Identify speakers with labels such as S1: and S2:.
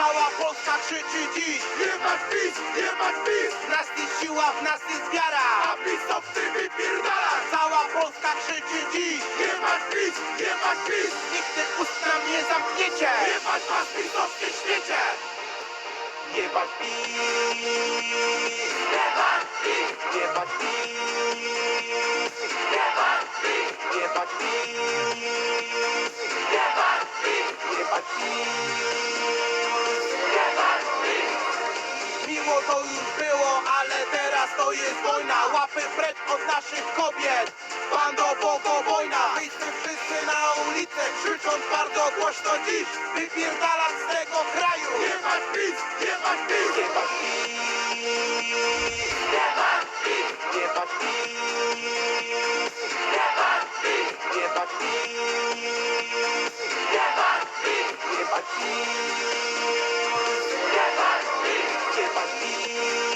S1: Cała Polska krzyczy dziś:
S2: Jebać PiS, jebać PiS,
S1: w nas jest siła, w nas jest wiara.
S2: a PiS to chce wypierdalać.
S1: Cała Polska krzyczy dziś:
S2: Jebać PiS, jebać PiS,
S1: nigdy ust nam nie zamkniecie.
S2: jebać was pisowskie śmiecie.
S1: Jebać PiS,
S2: Jebać PiS,
S1: jebać PiS,
S2: jebać PiS,
S1: jebać PiS,
S2: jebać PiS,
S1: jebać PiS.
S2: jebać PiS.
S1: Miło to już było, ale teraz to jest wojna. Łapy precz od naszych kobiet. Bando, bogo, wojna. Wyjdźmy wszyscy na ulicę, krzycząc bardzo głośno dziś: wypierdalać z tego kraju.
S2: Jebać PiS, jebać PiS,
S1: Jebać PiS,
S2: jebać PiS,
S1: jebać PiS,
S2: jebać PiS,
S1: jebać PiS,
S2: jebać PiS,
S1: jebać PiS,
S2: jebać PiS.
S1: jebać PiS.